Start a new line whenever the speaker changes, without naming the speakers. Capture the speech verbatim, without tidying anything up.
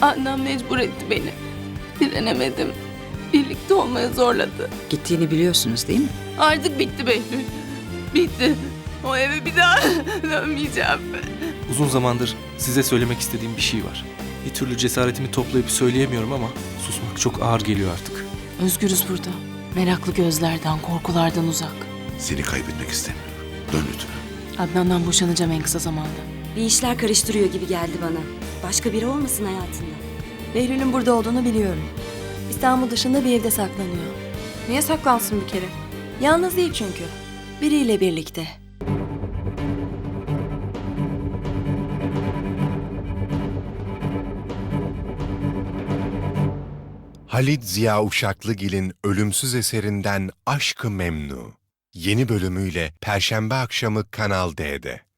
Adnan mecbur etti beni. Direnemedim. Birlikte olmaya zorladı.
Gittiğini biliyorsunuz değil mi?
Artık bitti Behlül. Bitti. O eve bir daha dönmeyeceğim.
Uzun zamandır size söylemek istediğim bir şey var. Bir türlü cesaretimi toplayıp söyleyemiyorum ama susmak çok ağır geliyor artık.
Özgürüz burada. Meraklı gözlerden, korkulardan uzak.
Seni kaybetmek istemiyorum. Dön lütfen.
Adnan'dan boşanacağım en kısa zamanda.
Bir işler karıştırıyor gibi geldi bana. Başka biri olmasın hayatında.
Behlül'ün burada olduğunu biliyorum. İstanbul dışında bir evde saklanıyor.
Niye saklansın bir kere?
Yalnız değil çünkü. Biriyle birlikte.
Halit Ziya Uşaklıgil'in ölümsüz eserinden Aşk-ı Memnu. Yeni bölümüyle Perşembe akşamı Kanal D'de.